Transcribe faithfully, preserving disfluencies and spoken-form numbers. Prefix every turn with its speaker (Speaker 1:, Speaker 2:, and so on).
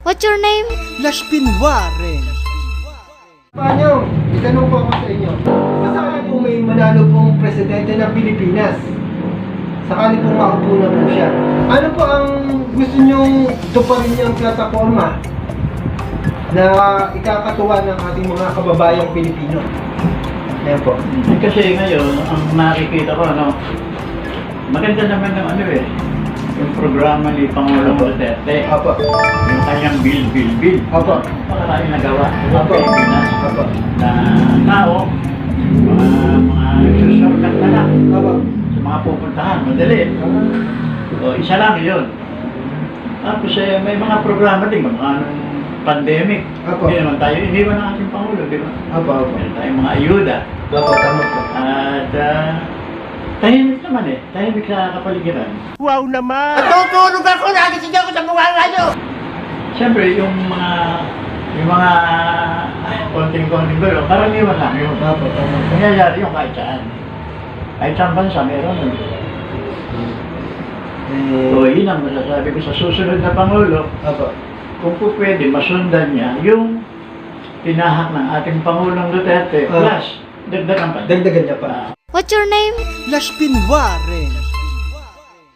Speaker 1: What's your name?
Speaker 2: Lashpin Warren.
Speaker 3: Paano? Itanong po ako sa inyo. Sakali po may manalo pong presidente ng Pilipinas. Sakali pong makaupo na po siya. Ano po ang gusto nyong tuparin niyang plataforma na ikakatuwa ng ating mga kababayang Pilipino? Ayan po.
Speaker 4: Kasi ngayon, ang nakikita ko, ano, maganda naman ng ano eh, yung programa ni Pangulong Duterte.
Speaker 3: Apo.
Speaker 4: Yung kanyang bill, bill, bill.
Speaker 3: Apo.
Speaker 4: Maraming nagawa sa
Speaker 3: Apo.
Speaker 4: Pilipinas.
Speaker 3: Apo.
Speaker 4: Na tao, mga, mga nagsusurkat na lang
Speaker 3: Apo.
Speaker 4: sa mga pupuntahan, madali. O, isa lang yun. Tapos eh, may mga programa din, mga anong pandemic.
Speaker 3: Apo.
Speaker 4: Hindi naman tayo, iniwan ng ating Pangulo, di ba?
Speaker 3: Apo. Apo.
Speaker 4: Meron tayong mga ayuda.
Speaker 3: Apo. Tama po.
Speaker 4: At uh, tahimik naman eh, tahimik sa kapaligiran.
Speaker 2: Wow naman!
Speaker 5: Tutulog ako, nagising ako sa mukha ngayon!
Speaker 4: Siyempre, yung mga yung mga konting-konting gulo, karaniwan lang yung
Speaker 3: Apo. Tama po.
Speaker 4: nangyayari yung kahit saan. Kahit saan bansa, meron. So,
Speaker 3: Eh,
Speaker 4: yun ang masasabi ko sa susunod na Pangulo,
Speaker 3: Apo.
Speaker 4: kung po pwede, masundan niya yung tinahak ng ating Pangulong Duterte,
Speaker 3: Ah.
Speaker 4: plus, dagdagan pa.
Speaker 3: Dagdagan niya pa.
Speaker 1: What's your name?
Speaker 2: Lashpin Warren.